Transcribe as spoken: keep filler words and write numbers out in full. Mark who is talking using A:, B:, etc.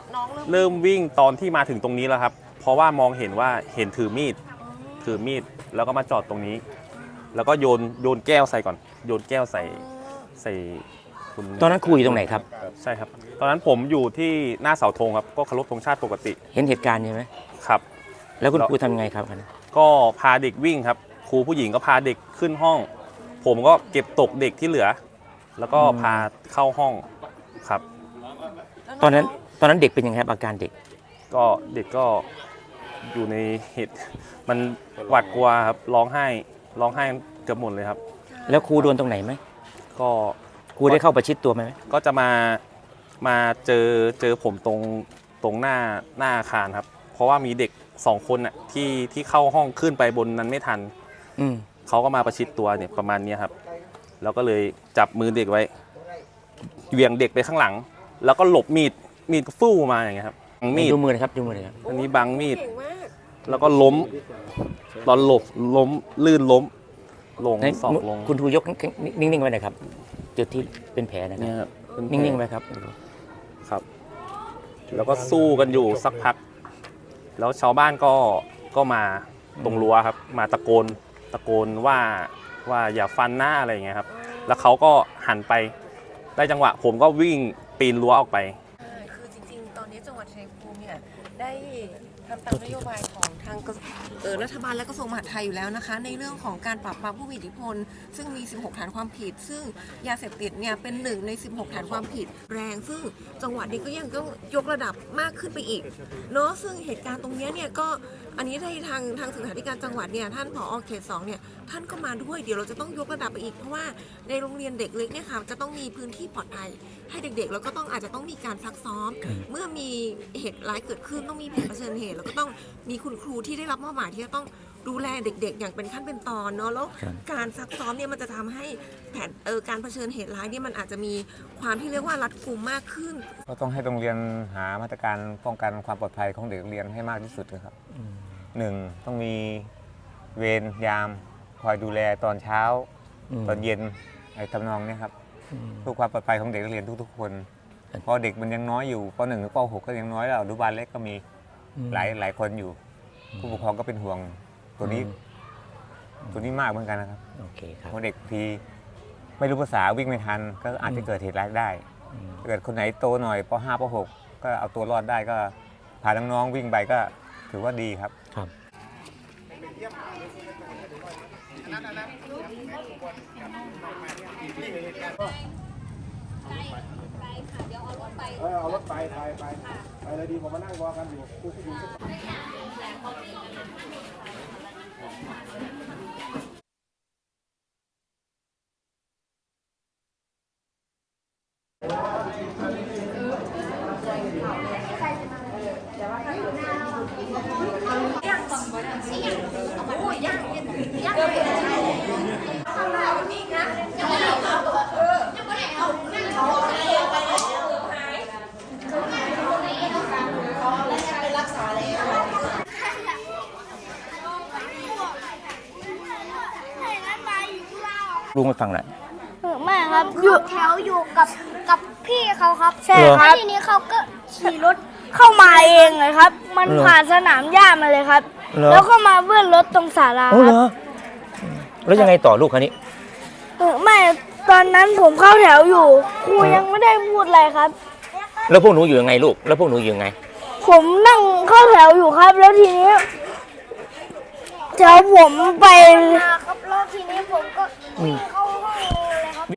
A: น้องเริ่ม
B: เริ่มวิ่งตอนที่มาถึงตรงนี้แล้วครับเพราะว่ามองเห็นว่าเห็นถือมีดถือมีดแล้วก็มาจอดตรงนี้ แล้วก็โยนโยนแก้วใส่ก่อนโยนแก้วใส่ใส่คุณ
C: ตอนนั้นครูอยู่ตรงไหนครับ
B: ใช่ครับตอนนั้นผมอยู่ที่หน้าเสาธงครับก็เคารพธงชาติปกติ
C: เห็นเหตุการณ์ใช่ไหม
B: ครับ
C: แล้วคุณครูทำยังไงครับ
B: ก็พาเด็กวิ่งครับครูผู้หญิงก็พาเด็กขึ้นห้อง ผมก็เก็บตกเด็กที่เหลือ แล้วก็พาเข้าห้องครับ
C: ตอนนั้นตอนนั้นเด็กเป็นยังไงครับอาการเด็ก
B: ก็เด็กก็อยู่ในเหตุมันหวาดกลัวครับร้องไห้ร้องไห้เกือบหมดเลยครับ
C: แล้วครูโดนตรงไหนไหม
B: ก็
C: ครูได้เข้าประชิดตัวไหม
B: ก็จะมามาเจอเจอผมตรงตรงหน้าหน้าอาคารครับเพราะว่ามีเด็กสองคนน่ะที่ที่เข้าห้องขึ้นไปบนนั้นไม่ทันเขาก็มาประชิดตัวเนี่ยประมาณนี้ครับแล้วก็เลยจับมือเด็กไว้เหวี่ยงเด็กไปข้างหลังแล้วก็หลบมีดมีดก็ฟู่มาอย่างเงี้ยครับ
C: มีดดูมือนะครับดูมือเลยครับ
B: อันนี้บังมีดแล้วก็ล้มตอนหลบล้มลื่นล้มลงสอบลง
C: คุณครูยกนิ่งๆไว้หน่อยครับจุดที่เป็นแผลนะครับนิ่งๆไว้ครับ
B: ครับแล้วก็สู้กันอยู่สักพักแล้วชาวบ้านก็ก็มาตรงรั้วครับมาตะโกนตะโกนว่าว่าอย่าฟันหน้าอะไรอย่างเงี้ยครับแล้วเขาก็หันไปได้จังหวะผมก็วิ่งปีนรั้วออกไป
A: คือจริงๆตอนนี้จังหวัดชัยภูมิเนี่ยได้ทำตามนโยบายของทางรัฐบาลและกระทรวงมหาดไทยอยู่แล้วนะคะในเรื่องของการปราบปรามผู้มีอิทธิพลซึ่งมีสิบหกฐานความผิดซึ่งยาเสพติดเนี่ยเป็นหนึ่งในสิบหกฐานความผิดแรงซึ่งจังหวัดนี้ก็ยังต้องยกระดับมากขึ้นไปอีกเนาะซึ่งเหตุการณ์ตรงนี้เนี่ยก็อันนี้ได้ทางทางศึกษาธิการจังหวัดเนี่ยท่านผอ.เขตสองเนี่ยท่านก็มาด้วยเดี๋ยวเราจะต้องยกระดับไปอีกเพราะว่าในโรงเรียนเด็กเล็กเนี่ยค่ะจะต้องมีพื้นที่ปลอดภัยให้เด็กๆแล้วก็ต้องอาจจะต้องมีการซักซ้อมเมื่อมีเหตุร้ายเกิดขึ้นต้องมีแผนเผชิญเหตุแล้วก็ต้องมีคุณครูที่ได้รับมอบหมายที่จะต้องดูแลเด็กๆอย่างเป็นขั้นเป็นตอนเนาะแล้วการซักซ้อมเนี่ยมันจะทำให้แผนเออการเผชิญเหตุร้ายเนี่ยมันอาจจะมีความที่เรียกว่ารัดกุมมากขึ้น
D: ก็ต้องให้โรงเรียนหามาตรการป้องกันความปลอดภัยของเด็กเรียนให้มากที่สุดนะครับหนึ่งต้องมีเวรยามคอยดูแลตอนเช้าตอนเย็นไอ้ทำนองนี้ครับเพื่อความปลอดภัยของเด็กนักเรียนทุกๆคนเพราะเด็กมันยังน้อยอยู่ป.หนึ่ง หรือป.หก ก็ยังน้อยแล้วอนุบาลเล็กก็มีหลายหลายคนอยู่ผู้ปกครองก็เป็นห่วงตัวนี้ตัวนี้มากเหมือนกันนะครับเพราะเด็กทีไม่รู้ภาษาวิ่งไม่ทันก็อาจจะเกิดเหตุร้ายได้เกิดคนไหนโตหน่อยป.ห้า ป.หก ก็เอาตัวรอดได้ก็พาน้องๆวิ่งไปก็ถือว่าดีครับครับ
E: เออเอารถไปไปไปไปเลยดีผมมานั่งรอกันอยู่ผู้ผู้หญิง
C: ลุงไปฟังหน่อย
F: ไม่ครับอยู่แถวอยู่กับกับพี่เขาครับใช่ครับทีนี้เขาก็ขี่รถเข้ามาเองเลยครับมันผ่านสนามหญ้ามาเลยครับแล้วก็มาเบื้องรถตรงศาลาครับ
C: แล้วยังไงต่อลูกคันนี้
F: ไม่ตอนนั้นผมเข้าแถวอยู่ครูยังไม่ได้พูดอะไรครับ
C: แล้วพวกหนูอยู่ยังไงลูกแล้วพวกหนูอยู่ยังไง
F: ผมนั่งเข้าแถวอยู่ครับแล้วทีนี้แถวผมไปครับแล้วทีนี้ผมก็วิ่งเข้า